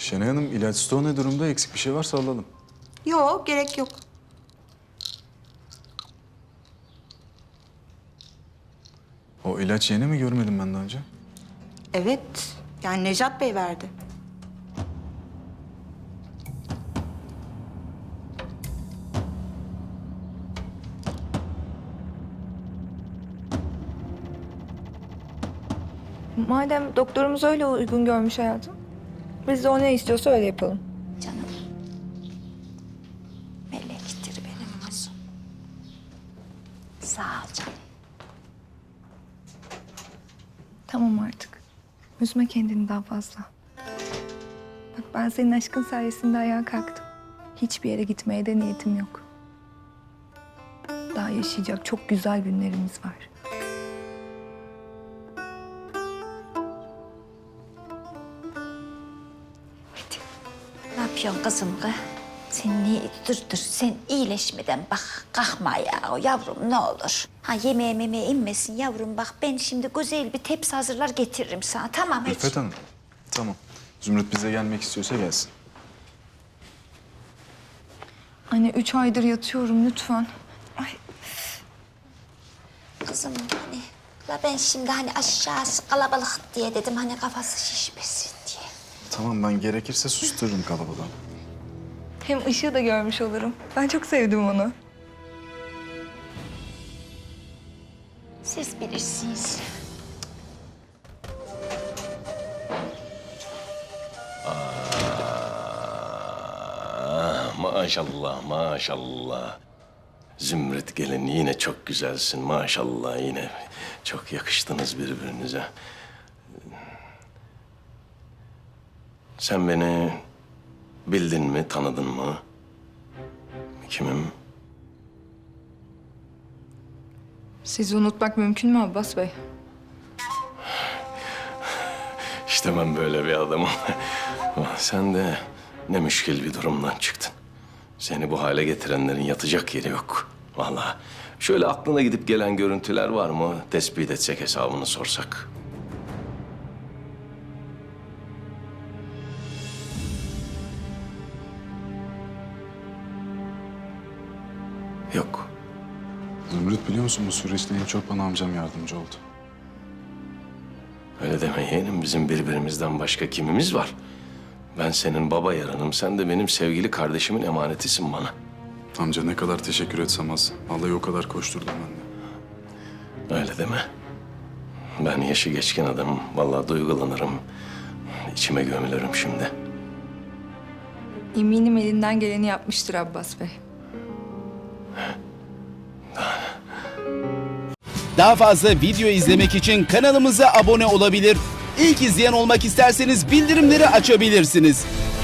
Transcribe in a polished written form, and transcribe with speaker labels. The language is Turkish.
Speaker 1: Şenay Hanım, ilaç stoğu ne durumda? Eksik bir şey varsa alalım.
Speaker 2: Yok, gerek yok.
Speaker 1: O ilaç yeni mi, görmedim ben daha önce?
Speaker 2: Evet, yani Necat Bey verdi.
Speaker 3: Madem doktorumuz öyle uygun görmüş hayatım, biz de o ne istiyorsa öyle yapalım.
Speaker 4: Canım. Melektir benim kuzum. Sağ ol canım.
Speaker 3: Tamam artık. Üzme kendini daha fazla. Bak ben senin aşkın sayesinde ayağa kalktım. Hiçbir yere gitmeye de niyetim yok. Daha yaşayacak çok güzel günlerimiz var.
Speaker 4: Ne yapıyorsun kızım kız? Sen niye dur sen iyileşmeden bak kalkma ya yavrum ne olur. Ha yemeğe inmesin yavrum bak ben şimdi güzel bir tepsi hazırlar getiririm sana tamam hiç.
Speaker 1: Ülfet Hanım, tamam. Zümrüt bize gelmek istiyorsa gelsin.
Speaker 3: Anne 3 aydır yatıyorum lütfen. Ay,
Speaker 4: Kızım hani la ben şimdi hani aşağısı kalabalık diye dedim hani kafası şişmesin diye.
Speaker 1: Tamam, ben gerekirse sustururum kalabalığı.
Speaker 3: hem ışığı da görmüş olurum. Ben çok sevdim onu.
Speaker 4: Siz bilirsiniz.
Speaker 5: Maşallah, maşallah. Zümrüt gelin yine çok güzelsin maşallah yine. Çok yakıştınız birbirinize. Sen beni bildin mi, tanıdın mı? Kimim?
Speaker 3: Sizi unutmak mümkün mü Abbas Bey?
Speaker 5: İşte ben böyle bir adamım. Sen de ne müşkil bir durumdan çıktın. Seni bu hale getirenlerin yatacak yeri yok. Vallahi şöyle aklına gidip gelen görüntüler var mı? Tespit etsek, hesabını sorsak. Yok.
Speaker 1: Zümrüt, biliyor musun bu süreçte en çok bana amcam yardımcı oldu.
Speaker 5: Öyle deme yeğenim. Bizim birbirimizden başka kimimiz var? Ben senin baba yaranım. Sen de benim sevgili kardeşimin emanetisin bana.
Speaker 1: Amca ne kadar teşekkür etsem az. Vallahi o kadar koşturdum ben de.
Speaker 5: Öyle deme. Ben yaşı geçkin adamım. Vallahi duygulanırım. İçime gömülürüm şimdi.
Speaker 3: Eminim elinden geleni yapmıştır Abbas Bey.
Speaker 6: Daha fazla video izlemek için kanalımıza abone olabilir. İlk izleyen olmak isterseniz bildirimleri açabilirsiniz.